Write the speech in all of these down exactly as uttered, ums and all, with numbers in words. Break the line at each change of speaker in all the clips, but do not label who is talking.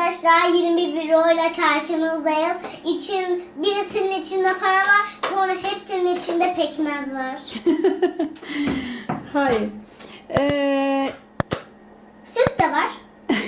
arkadaşlar, yeni bir video ile karşınızdayız. İçin, birisinin içinde para var, sonra hepsinin içinde pekmez var.
Hayır. Ee...
Süt de var.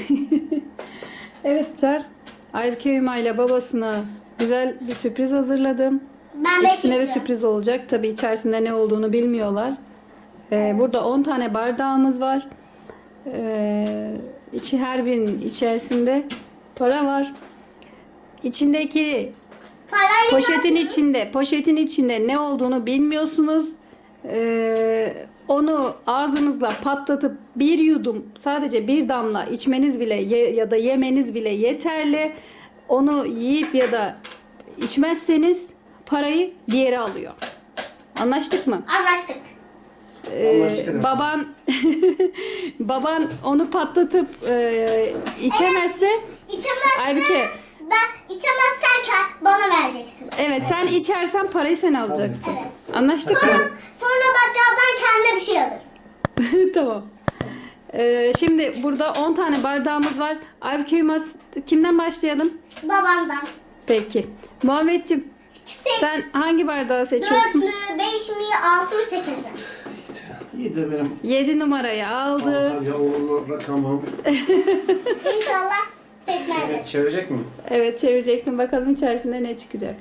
Evet Çar. Aybüke Hüma ile babasına güzel bir sürpriz hazırladım.
Ben beş
İkisine de
istiyorum.
sürpriz olacak. Tabii içerisinde ne olduğunu bilmiyorlar. Ee, burada on tane bardağımız var. Ee, içi her birinin içerisinde para var. İçindeki
Parayı
poşetin
ver.
içinde, poşetin içinde ne olduğunu bilmiyorsunuz. Ee, onu ağzınızla patlatıp bir yudum, sadece bir damla içmeniz bile ye, ya da yemeniz bile yeterli. Onu yiyip ya da içmezseniz parayı diğeri alıyor. Anlaştık mı?
Anlaştık.
Ee,
Anlaştık hadi.
baban baban onu patlatıp e, içemezse
İçemezsen,
Aybüke.
ben içemezsen ke- bana vereceksin.
evet sen içersen parayı sen alacaksın.
Evet.
Anlaştık mı?
Sonra, sonra bak ya, ben kendime bir şey alırım.
Tamam. Ee, şimdi burada on tane bardağımız var. Aybüke Yılmaz, kimden başlayalım?
Babamdan.
Peki. Muhammedciğim,
Seç.
sen hangi bardağı
Dört
seçiyorsun?
mü, beş mi, altı mı, sekiz mi?
İyidir benim.
yedi numarayı aldı.
Altar ya uğurlu rakamım.
İnşallah pekmez.
Evet, çevirecek mi?
Evet, çevireceksin. Bakalım içerisinde ne çıkacak.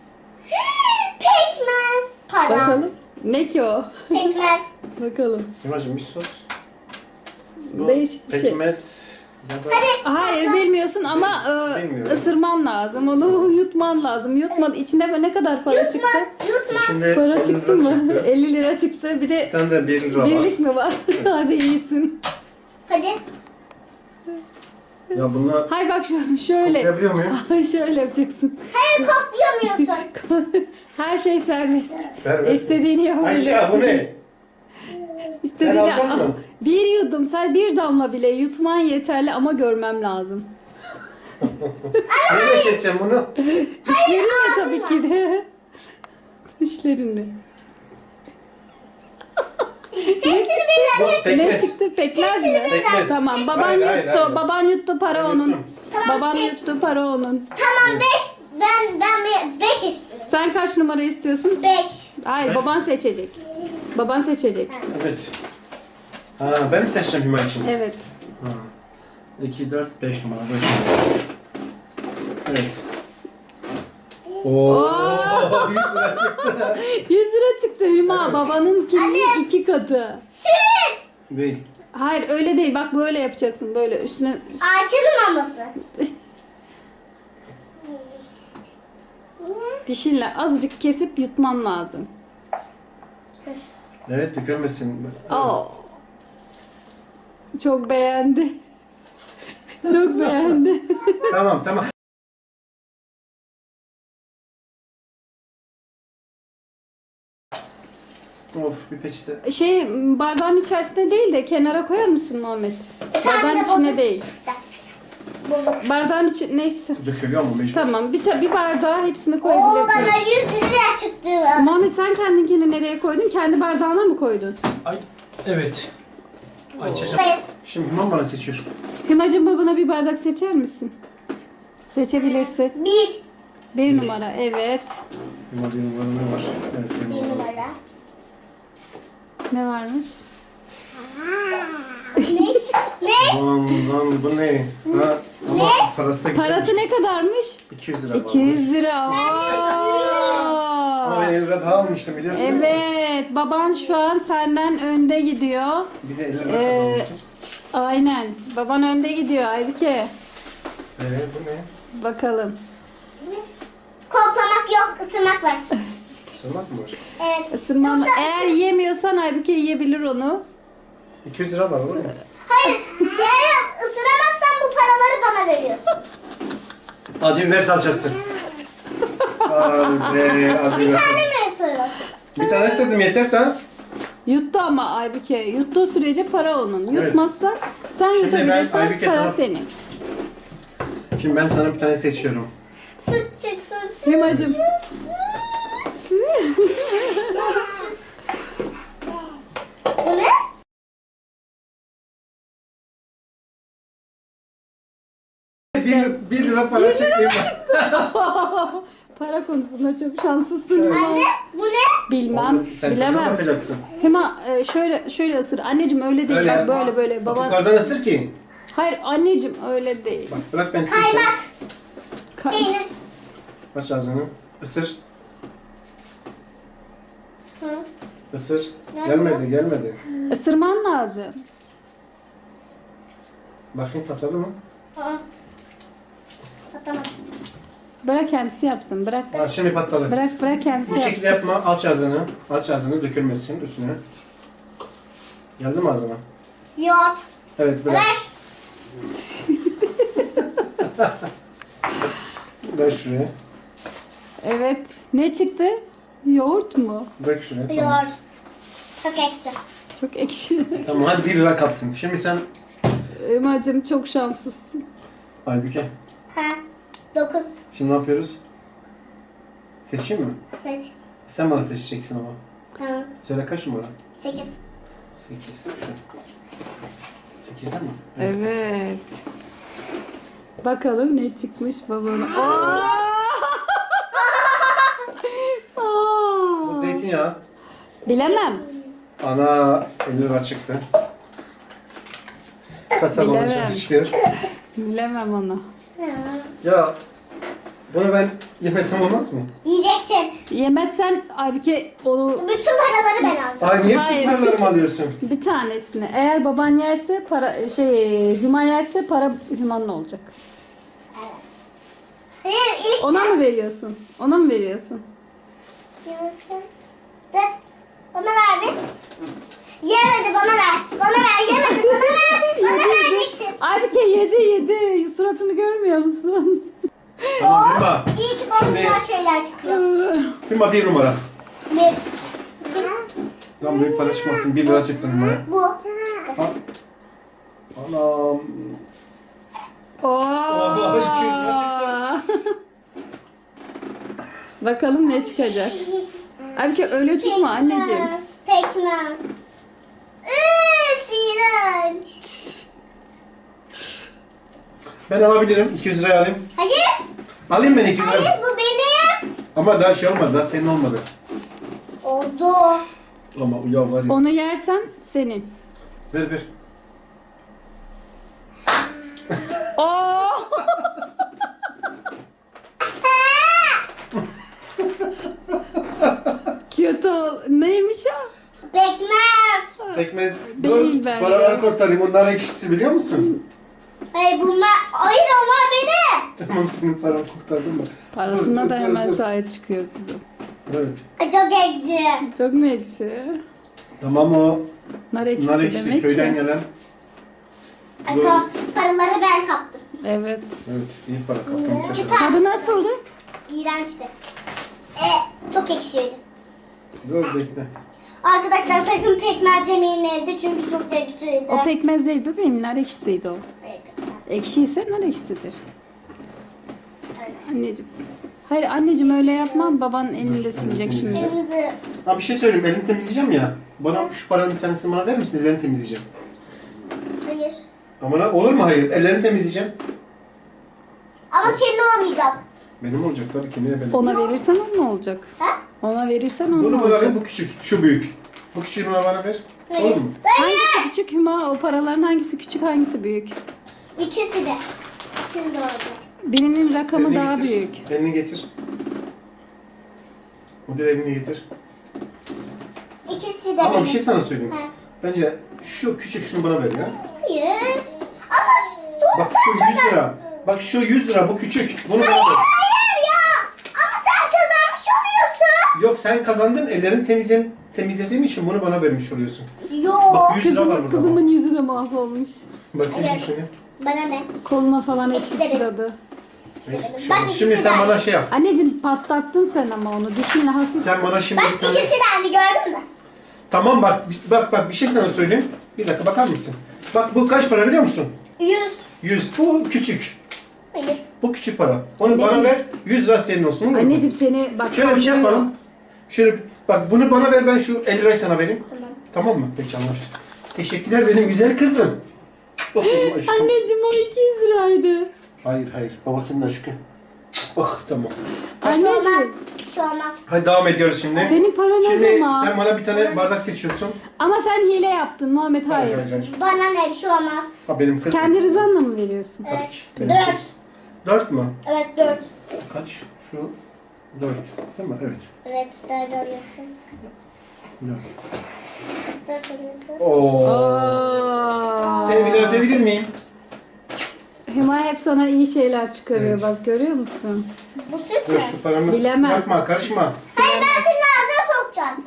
Pekmez. Para.
Bakalım. Ne ki o?
Pekmez.
Bakalım.
Yemacım bir sos. Bu
Değişik bir şey.
pekmez ya da
Hadi.
Hayır bilmiyorsun ama e,
Bilmiyorum.
ısırman lazım. Onu yutman lazım. Yutma. İçinde ne kadar para çıktı?
Yutma. Yutma.
içinde
Para
on
çıktı
lira
mı?
çıktı.
elli lira çıktı. Bir de
Bir tane de bir lira var.
birlik mi var? Hadi iyisin.
Hadi.
Ya bunlar
Hay bak şu- şöyle.
koklayabiliyor muyum?
Ay şöyle yapacaksın.
Hayır, koklayamıyorsun.
Her şey serbest.
Serbest.
İstediğini yapabilirsin.
Ayça bu ne?
İstediğini
Sen alacak mısın?
Bir yudum, sen bir damla bile yutman yeterli ama görmem lazım.
Nereye keseceğim bunu?
Dişlerinle tabii ki de. Dişlerinle.
Hepsini birden.
Bu
Ne
pekmez.
çıktı? Pekmez mi?
Pekmez.
Tamam, baban
Hayır,
yuttu.
hayır, hayır.
Baban yuttu, para
Ben
onun.
yuttum.
Tamam,
Baban
seç.
yuttu, para onun.
Tamam, beş. Ben ben bir- beş istiyorum.
Sen kaç numara istiyorsun?
Beş.
Hayır,
Beş.
baban seçecek. Baban seçecek.
Evet. Ha, ben mi seçeceğim Hüma için?
Evet.
Ha. iki, dört, beş numara. beş numara. Evet. Oo, yüz lira çıktı.
yüz lira çıktı Hüma.
Evet.
Babanınkinin iki katı.
Süt.
Değil.
Hayır öyle değil. Bak böyle yapacaksın. Böyle üstüne.
Ağaçın maması.
Dişinle azıcık kesip yutman lazım.
Evet, dökülmesin.
Oo. Çok beğendi. Çok beğendi.
Tamam, tamam. Of, bir peçete.
Şey bardağın içerisinde değil de kenara koyar mısın Muhammed? Bardağın içine değil.
Bozuk.
Bardağın içi neyse.
Dökülüyor mu mecbur?
Tamam bir, ta- bir bardağa hepsini
Oo, bana
koyabilirsin.
yüz lira çıktı.
Muhammed sen kendinkini nereye koydun? Kendi bardağına mı koydun?
Ay, evet. Ayça'cığım.
Hayır.
Şimdi Hüman bana seçiyor.
Hümacığım babana bir bardak seçer misin? Seçebilirsin.
Bir.
Bir numara evet.
Hüma bir numara ne var? Evet, bir
Bir
numara.
numara.
Ne varmış?
Ne? Ne?
Lan lan bu ne? Ha, ama parası da güzelmiş.
Parası ne kadarmış?
iki yüz lira var.
iki yüz lira.
Ama ben
Oo.
elli lira daha almıştım biliyorsun değil mi?
Evet, baban şu an senden önde gidiyor.
Bir de elli lira
Ee,
kazanmıştım.
Aynen. Baban önde gidiyor Aybüke.
Evet, bu ne?
Bakalım.
Koklamak yok, ısırmak var.
Sırmak mı var?
Evet.
Isırmam.
Yoksa-
Eğer yiyemiyorsan Aybüke yiyebilir onu.
iki yüz lira var olur mu?
Hayır, eğer ısıramazsan bu paraları bana veriyorsun.
Acı biber salçası. Hadi be, acı
Bir
biber
tane
salçası.
mi ısırıyorsun?
Bir tane ısırdım yeter ta.
Yuttu ama Aybüke. Yuttuğu sürece para onun.
Evet.
Yutmazsa sen
Şimdi ben
yutabilirsen
Aybüke
para
sana-
senin.
Şimdi ben sana bir tane seçiyorum.
Süt çıksın, süt.
Hümacığım.
Bu ne?
gerçekten.
bir, bir lira para çekeyim ben.
Para konusunda çok şanslısın. Hüma.
Anne bu ne?
Bilmem,
Oğlum, sen tadına
bilemem.
bakacaksın.
Hüma e, şöyle şöyle ısır. Anneciğim öyle değil.
Öyle
Bak,
yapma.
böyle böyle.
Bak
Baban.
yukarıdan ısır ki.
Hayır anneciğim öyle değil.
Bak bırak ben çekeyim.
Kaymak.
Ka-
Peynir.
Aç ağzını. Isır.
Hı.
Isır.
Nerede
Gelmedi gelmedi.
Isırman lazım.
Bakayım patladı mı?
Aa. Patlamadı.
Bırak kendisi yapsın. Bırak.
Ha, şimdi patladı.
Bırak bırak kendisi
Bu
yapsın.
şekilde yapma. Aç ağzını. Aç ağzını dökülmesin üstüne. Geldi mi ağzına?
Yoğurt.
Evet bırak.
Ver.
Ver şuraya.
Evet. Ne çıktı? Yoğurt mu?
Bırak şuraya. Tamam.
Yoğurt. Çok ekşi.
Çok ekşi.
Tamam hadi bir lira kaptın. Şimdi sen
Hümacığım çok şanslısın.
Aybüke.
Ha. Dokuz.
Şimdi ne yapıyoruz? Seçeyim mi?
Seç.
Sen bana seçeceksin ama.
Tamam.
Söyle kaç numara?
Sekiz.
sekiz. Şu. sekizde mi?
Evet. Bakalım ne çıkmış babana. Aa! Aa!
Bu zeytinyağı.
Bilemem.
Ana elli lira çıktı. Kasap ona
Bilemem.
çalışıyor.
Bilemem onu.
Ya bunu ben yemesem olmaz mı?
Yiyeceksin.
Yemezsen Aybüke onu
Bütün paraları ben alacağım.
Ay niye
Hayır.
bütün paralarımı alıyorsun?
bir tanesini. Eğer baban yerse para şey Hüma yerse para Hüma'nın olacak.
Hayır ilk
Ona
sen
mı veriyorsun? Ona mı veriyorsun?
yemesin. Dur. Bana ver bir. Yemedi bana ver. Bana ver yemedi bana ver. Bana vereceksin.
Aybüke yedi yedi. Suratını görmüyor musun?
Tamam Hüma.
İyi ki bana
Şimdi-
güzel şeyler çıkıyor.
Hüma bir numara.
Bir. İki.
Tam büyük para çıkmasın. Bir lira çıksın Hüma'ya.
Bu.
Al. Anam.
Oo.
Oha, iki yüz lira
Bakalım ne çıkacak. Aybüke öyle tutma anneciğim.
Pekmez. Pekmez. Üf iğrenç.
Ben alabilirim. iki yüz liraya alayım.
Hayır.
Alayım ben iki yüz liraya.
Hayır bu benim.
Ama daha şey olmadı. Daha senin olmadı.
Oldu.
Ama ya var ya.
Onu yersen senin.
Ver ver.
Oo. Kötü ol. Neymiş o?
Pekmez.
Pekmez.
Değil
Dur.
ben
Paraları
ya.
kurtarayım. Onlar ekşisi biliyor musun?
Hayır bunlar. Hayır onlar benim.
Tamam senin paranı kurtardım da.
Parasına
Dur,
da
dur,
hemen
dur.
sahip çıkıyor kızım.
Evet.
Ay, çok ekşi.
Çok mu ekşi?
Tamam o.
Nar ekşisi
Nar ekşisi
demek
köyden
ki.
gelen.
Ay,
Dur.
pa- Paraları ben kaptım.
Evet.
Evet iyi para kaptım bu sefer.
Tadı nasıldı?
İğrençti. E, çok ekşiydi.
Dur bekle.
Arkadaşlar sakın pekmez yemeyin evde çünkü çok ekşiydi.
O pekmez değil bebeğim. Nar ekşisiydi o.
Hayır, pekmez.
Ekşiyse nar ekşisidir.
Evet.
Anneciğim. Hayır anneciğim öyle yapma. Baban elini de silecek şimdi.
Şimdi
Ha bir şey söyleyeyim. Elini temizleyeceğim ya. Bana şu paranın bir tanesini bana verir misin? Ellerini temizleyeceğim.
hayır.
Ama ne- olur mu hayır? Ellerini temizleyeceğim.
Ama senin olmayacak.
Benim olacak tabii ki. Niye benim?
Ona verirsen onun olacak.
Ha?
Ona verirsen onun
Bunu bana
olacak.
ver. Bu küçük. Şu büyük. Bu küçüğünü bana ver.
Hayır.
Olur mu?
Hayır.
Hangisi küçük Hüma? O paraların hangisi küçük hangisi büyük?
İkisi de. Şimdi olacak.
Birinin rakamı
Elini
daha
getir.
büyük.
Elini getir. O diğer elini getir.
İkisi de
Ama
benim.
bir şey sana söyleyeyim.
Ha.
Bence şu küçük şunu bana ver ya.
Hayır. Ama sonra
Bak şu yüz lira. Bak şu yüz lira bu küçük. Bunu bana ver.
hayır ya. Ama sen kazanmış oluyorsun.
Yok sen kazandın. Ellerini temizle, temizlediğim için bunu bana vermiş oluyorsun.
Yok.
Bak yüz lira var
Kızımın,
burada.
kızımın yüzü de mahvolmuş.
Bakayım
Hayır.
şunu.
Bana ne?
Koluna falan hepsi
İkisi de
sıçradı.
Neyse,
Bak
şu-
ikisi
Şimdi sen
de.
bana şey yap.
Anneciğim patlattın sen ama onu. Dişinle hafif.
Sen bana şimdi
Bak
bir tane...
ikisi de aynı gördün mü?
Tamam bak bak bak bir şey sana söyleyeyim. Bir dakika bakar mısın? Bak bu kaç para biliyor musun?
Yüz.
yüz. Bu küçük.
Hayır.
Bu küçük para. Onu bana ver. yüz lira senin olsun olur mu?
Anneciğim seni bak.
Şöyle bir şey
kandırıyor.
yapalım. Şöyle bak bunu bana ver ben şu elli lirayı sana vereyim.
Tamam.
Tamam mı? Peki anlaştık. Teşekkürler benim güzel kızım. Bakın aşkım.
Anneciğim o iki yüz liraydı.
Hayır hayır. Babasının aşkı. Ah tamam.
Bir şey olmaz.
Anneciğim.
Bir şey olmaz.
Hadi devam ediyoruz şimdi.
Senin paran o
Şimdi
zaman.
sen bana bir tane bardak seçiyorsun.
Ama sen hile yaptın Muhammed, hayır.
Hayır, hayır.
Bana ne bir şey olmaz.
Ha benim kızım.
Kendi rızanla mı veriyorsun?
Tabii
Evet.
ki. Benim
Dört.
kız. Dört mü?
Evet dört.
Kaç? Şu dört. Değil mi? Evet.
Evet dört alıyorsun.
Dört.
Dört alıyorsun.
Oo.
Aa.
Seni bir de öpebilir miyim?
Hüma hep sana iyi şeyler çıkarıyor,
Evet.
bak görüyor musun?
Bu süt
Dur
mü?
şu paramı.
Bilemem.
Yapma karışma.
Hayır ben senin ağzına sokacağım.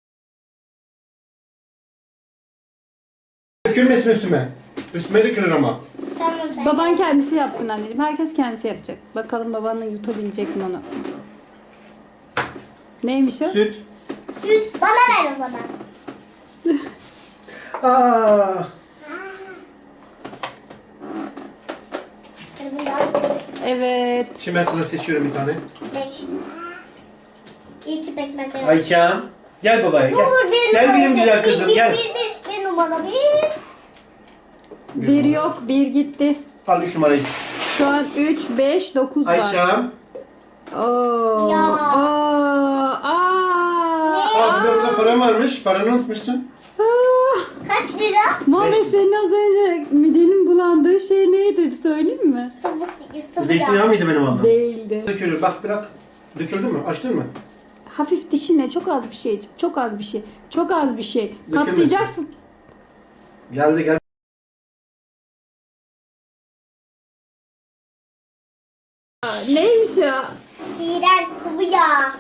Dökülmesin üstüme. Üstüme dökülür ama.
Tamam sen.
Baban kendisi yapsın anneciğim. Herkes kendisi yapacak. Bakalım babanla yutabilecek mi onu? Neymiş o?
Süt.
Süt bana ver o zaman.
Aa.
Hadi bunu da al.
Evet.
Şimdi ben sana seçiyorum bir tane.
Beş. İyi ki pekmez yok.
Ayça. Gel babaya gel.
Dur bir
Gel
numara
benim
seç.
güzel
Bir,
kızım
bir,
gel.
Bir, bir, bir, bir numara bir.
Bir yok, bir gitti.
Al üç numarayı.
Şu an üç, beş, dokuz var.
Ayça.
Oo.
Ya.
Aa. Aa.
Aa burada burada param varmış. Paranı unutmuşsun.
Aa.
Kaç lira?
Muhammed
Beş.
senin az önce midenin bulandığı şey neydi? Bir söyleyeyim mi?
Sıvı, sıvı
Zeytinyağı
yağ.
mıydı benim aldığım?
Değildi.
Dökülür. Bak bırak. Döküldü mü? Açtın mı?
Hafif dişine çok az bir şey. Çok az bir şey. Çok az bir şey.
Dökülmesin.
Katlayacaksın.
Geldi gel.
Aa, neymiş ya?
İğrenç sıvı yağ.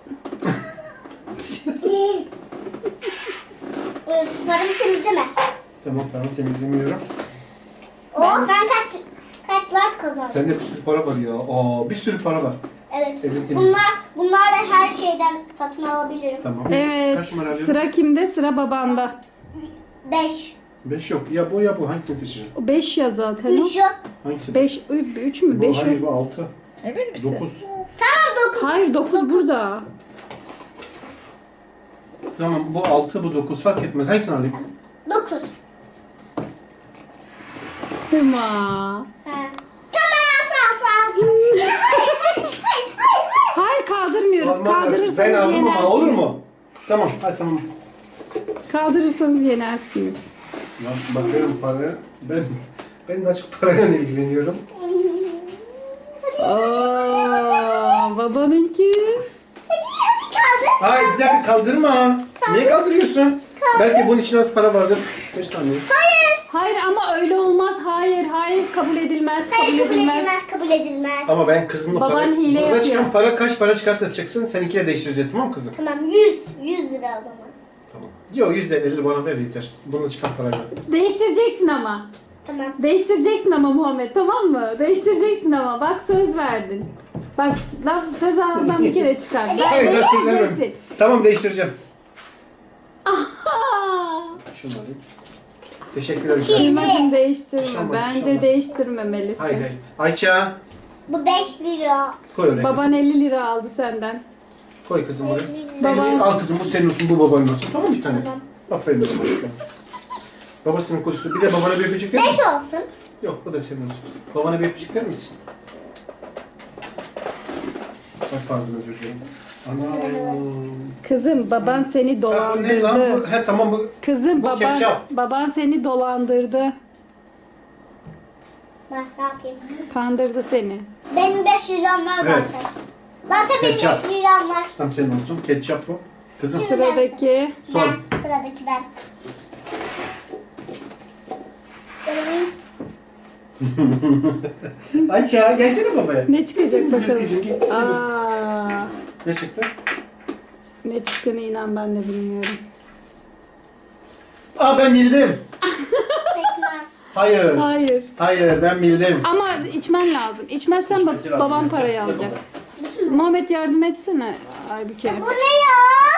Öf, Paramı temizleme.
Tamam tamam temizlemiyorum.
O ben kaç kaç lart kazandım.
Sende bir sürü para var ya. Aa bir sürü para var.
Evet.
Evin temiz.
Bunlar bunlarla her şeyden satın alabilirim.
Tamam.
Evet.
Kaç numara alıyorum?
Sıra kimde? Sıra babanda.
Beş.
Beş yok. Ya bu ya bu. Hangisini seçeceğim?
O beş ya zaten o.
Üç yok.
Hangisi?
beş, üç mü?
Bu,
beş
hayır
mi?
bu altı.
Emin misin?
Dokuz.
Tamam dokuz.
Hayır dokuz burada.
Tamam bu altı bu dokuz fark etmez. Hangisini alayım?
Dokuz.
Hüma.
Ha. Tamam altı altı altı. Hayır hayır hayır hayır hayır.
Hayır kaldırmıyoruz.
Olmaz.
Kaldırırsanız
Ben aldım
yenersiniz.
ama olur mu? Tamam hadi tamam.
Kaldırırsanız yenersiniz.
Ya bakıyorum paraya. Ben ben daha çok parayla ilgileniyorum.
Aa, babanınki.
Hadi hadi kaldır.
Hayır bir dakika kaldırma. Niye kaldırıyorsun? Belki bunun için az para vardır. Bir saniye.
Hayır.
Hayır ama öyle olmaz. Hayır, hayır kabul edilmez.
Hayır
kabul
kabul
edilmez.
edilmez kabul edilmez.
Ama ben kızımla
Baban
para...
hile
Burada
yapıyor.
çıkan para kaç para çıkarsa çıksın seninkiyle değiştireceğiz tamam mı kızım?
Tamam yüz. Yüz lira o zaman.
Tamam. Yok yüz elli lira bana ver yeter. Bununla çıkan parayla.
Değiştireceksin ama.
Tamam.
Değiştireceksin ama Muhammed, tamam mı? Değiştireceksin ama. Bak söz verdin. Bak laf söz ağzından bir kere çıkar. Ben
Hayır ben söz vermem.
değiştireceksin.
Tamam değiştireceğim.
Aha!
Şunu alayım. Teşekkürler.
Çiğ.
Kıymadın değiştirme.
Şamar,
Bence
şamar.
değiştirmemelisin.
Hayır hayır. Ayça.
Bu beş lira.
Koy oraya. kızım.
Baban elli lira aldı senden.
Koy kızım oraya.
Baba-
elli al kızım bu senin olsun bu babanın olsun. Tamam bir tane.
Tamam.
Aferin babana. Babasının kuzusu. Bir de babana bir öpücük verir
Beş
misin?
olsun.
Yok bu da senin olsun. Babana bir öpücük verir misin? Bak pardon özür dilerim. Ana.
Kızım baban seni
Ha, bu ne lan bu?
dolandırdı.
He tamam bu.
Kızım
Bu
baban
ketçap.
baban seni dolandırdı.
Bak ne yapayım.
Kandırdı seni.
Benim beş liram var
Evet.
zaten. Zaten benim
Ketçap.
beş liram var.
Tam senin olsun. Ketçap bu. Kızım.
Sıradaki
Son.
Ben. Sıradaki ben. Benim.
Ayça gelsene babaya.
ne çıkacak
Güzel
bakalım.
kızım, gel.
Aa,
Ne çıktı?
ne çıktığını inan ben de bilmiyorum.
Aa ben bildim.
Pekmez.
Hayır.
Hayır.
Hayır ben bildim.
Ama içmen lazım. İçmezsen bab-
İçmesi lazım.
babam parayı alacak. Muhammed yardım etsene Aybüke.
Bu ne ya?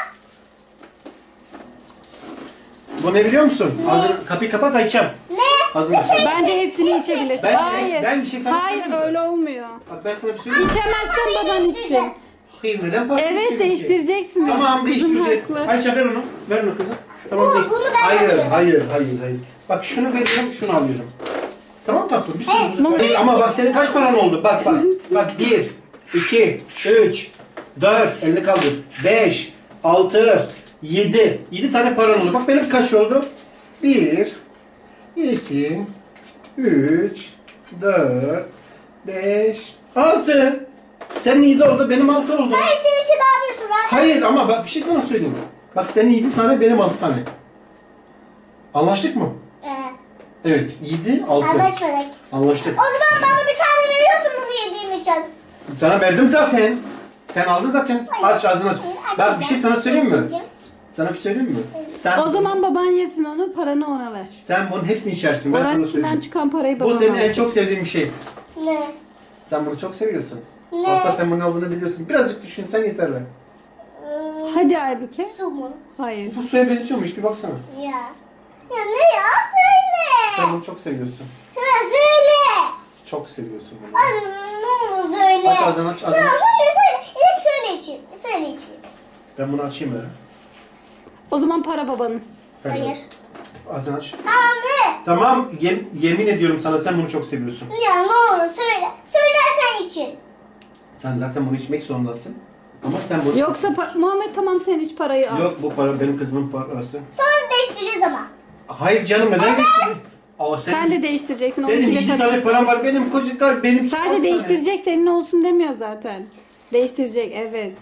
Bu ne biliyor musun? Ağzını kapıyı kapat Ayça'm.
Ne?
Ağzını aç.
Bence hepsini içebilirsin.
Ben-
Hayır.
ben bir şey sana
Hayır
söyleyeyim mi?
öyle olmuyor.
Bak ben sana bir söyleyeyim.
İçemezsen baban içsin.
Hayır neden farklı
Evet
istedim ki?
değiştireceksin.
Tamam
Kızım
değiştireceğiz.
haklı.
Ayça ver onu. Ver onu kızım. Tamam
Bu-
değil.
bunu ben
hayır,
alıyorum.
hayır, hayır, hayır. Bak şunu veriyorum, şunu alıyorum. Tamam tatlım. Bir sürü
Evet.
bozuk para. Ama bak senin kaç paran oldu? Bak bak. Bak bir, iki, üç, dört. Elini kaldır. Beş, altı, yedi. Yedi tane paran oldu. Bak benim kaç oldu? Bir, iki, üç, dört, beş, altı. Senin yedi oldu, benim altı oldu.
Hayır seninki daha bir sürü.
Hayır ama bak bir şey sana söyleyeyim. Bak senin yedi tane, benim altı tane. Anlaştık mı?
Ee,
Evet, yedi, altı.
anlaşmadık.
Anlaştık.
O zaman bana bir tane veriyorsun bunu yediğim için.
Sana verdim zaten. Sen aldın zaten. Aç ağzını aç.
Hayır,
Bak bir şey sana söyleyeyim mi?
açmayacağım.
Sana bir şey söyleyeyim mi? Sen,
O zaman baban yesin onu, paranı ona ver.
sen bunun hepsini içersin. Ben
Oranın
sana
içinden
söyleyeyim.
çıkan parayı
Bu
babana
senin en
ver.
çok sevdiğin bir şey.
Ne?
Sen bunu çok seviyorsun.
Ne?
Aslında sen bunun olduğunu biliyorsun. Birazcık düşünsen yeter be.
Hmm,
Hadi Aybüke.
su mu?
Hayır.
Bu suya benziyor mu? Hiç bir baksana.
Ya. Ya ne ya? Söyle.
Sen bunu çok seviyorsun.
Ya söyle.
Çok seviyorsun bunu.
Ay, ne olur söyle.
Aç ağzını, aç ağzını.
Tamam söyle söyle. İlk söyle içeyim. Söyle içeyim.
Ben bunu açayım ya.
O zaman para babanın.
Hayır.
Ağzını aç.
Tamam ne?
Tamam, yem- yemin ediyorum sana sen bunu çok seviyorsun.
Ya ne olur söyle. Söylersen için.
Sen zaten bunu içmek zorundasın. Ama sen bunu...
Yoksa pa- Muhammed tamam sen hiç parayı al.
Yok bu para benim kızımın parası.
Sonra değiştireceğiz ama.
Hayır canım neden geçtiniz? Aa, sen,
Sen de değiştireceksin.
senin
onunkiyle
yedi tane
karıştır.
param var benim kocacıklar benim. altı
Sadece
tane.
değiştirecek senin olsun demiyor zaten. Değiştirecek evet.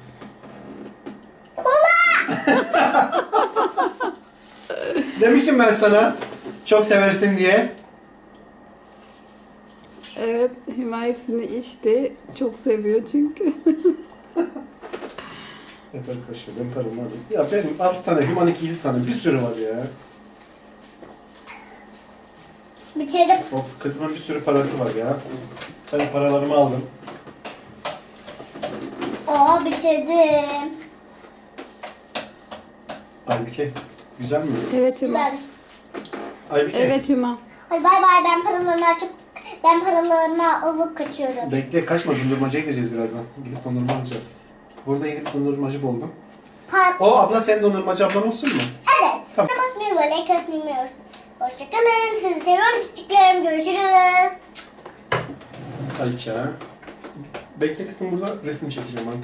Kola.
Demiştim ben sana çok seversin diye.
Evet Hüma hepsini içti. Çok seviyor çünkü.
Evet arkadaşlar benim param var. Ya benim altı tane, Hüman'ınki yedi tane bir sürü var ya.
Bitirdim.
Of kızımın bir sürü parası var ya. Ben paralarımı aldım.
Oo bitirdim.
Aybüke güzel mi?
Evet Hüma.
Güzel.
Aybüke
Evet Hüma.
Hadi bay bay ben paralarımı açıp ben paralarımı alıp kaçıyorum.
bekle kaçma dondurmacıya gideceğiz birazdan. Gidip dondurma alacağız. Burada yeni bir dondurmacı buldum.
Pat.
O abla senin dondurmacı ablan olsun mu?
Evet.
Tamam.
Basmayı ve like atmayı unutmayın. Hoşçakalın. Sizi seviyorum çocuklarım. Görüşürüz.
Ayça. Bekle kızım burada resim çekeceğim.